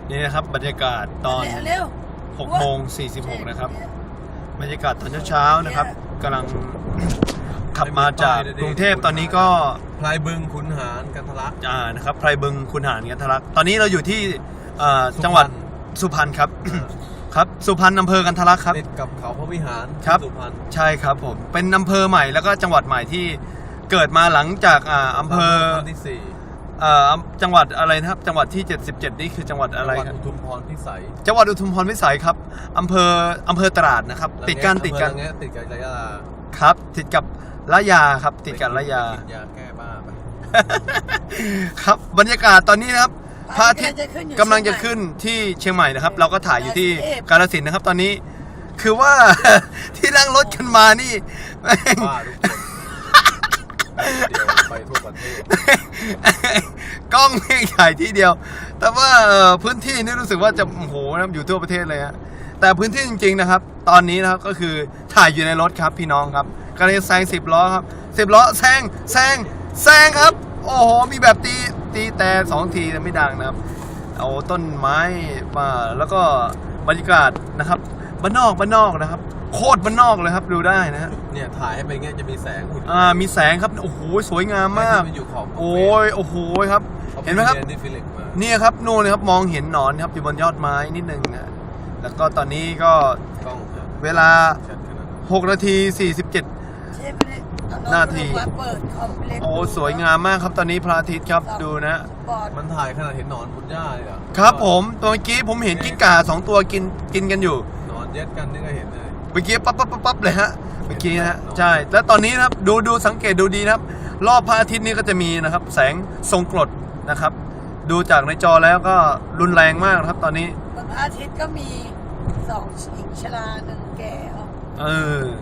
นี่นะครับบรรยากาศตอนเร็ว 6 โมง 46นะครับบรรยากาศตอนเช้าๆนะครับกำลังขับมาจากกรุงเทพตอนนี้ก็พลายบึงขุนหารกันทะลักนะครับไพรบึงขุนหารกันทะลักตอนนี้เราอยู่ที่จังหวัดสุพรรณครับ ครับสุพรรณอำเภอกันทะลักครับติดกับเขาพระวิหารครับสุพรรณใช่ครับผมเป็นอำเภอใหม่แล้วก็จังหวัดใหม่ที่เกิดมาหลังจากอำเภอที่สี่จังหวัดอะไรนะครับจังหวัดที่77นี่คือจังหวัดอะไรจังหวัดครับอุทุมพรพิสัยจังหวัดอุทุมพรพิสัยครับอำเภอตราดนะครับติดกันอำเภอระแงะติดกับระยะครับติดกับละยาครับติดกับละยาติดยาแก้บ้าไปครับบรรยากาศตอนนี้นะครับพระอาทิตย์ๆกำลังจะขึ้นที่เชียงใหม่นะครับ เราก็ถ่ายอยู่ที่กาฬสินธุ์นะครับ ตอนนี้คือว่า ที่นั่งรถกันมานี่ แม่งบ้าทุกคนเดี๋ยวไปทั่วประเทศกล้องไม่ถ่ายที่เดียว แต่ว่าพื้นที่นี่รู้สึกว่าจะโอ้โหนะครับอยู่ทั่วประเทศเลยฮะแต่พื้นที่จริงๆนะครับ ตอนนี้นะครับก็คือถ่ายอยู่ในรถครับพี่น้องครับกำลังจะแซง10 ล้อครับ10 ล้อแซงครับโอ้โหมีแบบตีแต่2 ทีแต่ไม่ดังนะครับเอาต้นไม้มาแล้วก็บรรยากาศนะครับบ้านนอกนะครับโคตรบ้านนอกเลยครับดูได้นะฮะเนี่ยถ่ายให้ไปเงี้ยจะมีแสงอุ่นมีแสงครับโอ้โหสวยงามมากนอยู่ขอบโอ้โหครับเห็นไหมครับนี่ฟิลิปมานี่ครับนู่นเลยครับมองเห็นหนอนครับอยู่บนยอดไม้นิดนึงนะแล้วก็ตอนนี้ก็กล้องครับเวลาชัดขนาดนั้น 6 นาที 47 ใช่ไหมเนี่ยนาทีเปิดคอมเล็กโอ้สวยงามมากครับตอนนี้พระอาทิตย์ครับดูนะบอร์ดมันถ่ายขนาดเห็นหนอนบนหญ้าเลยอ่ะครับผมตัวเมื่อกี้ผมเห็นกิ้งก่า2 ตัวกินกันอยู่หนอนเย็ดกันนี่ก็เห็นเลยเมื่อกี้ปั๊บเลยฮะเมื่อกี้นะฮะใช่แล้วตอนนี้นะครับดูสังเกตดูดีนะครับ รอบพระอาทิตย์นี้ก็จะมีนะครับ แสงทรงกรดนะครับ ดูจากในจอแล้วก็รุนแรงมากนะครับ ตอนนี้บนอาทิตย์ก็มี2 หญิงชรา1 แก่เออ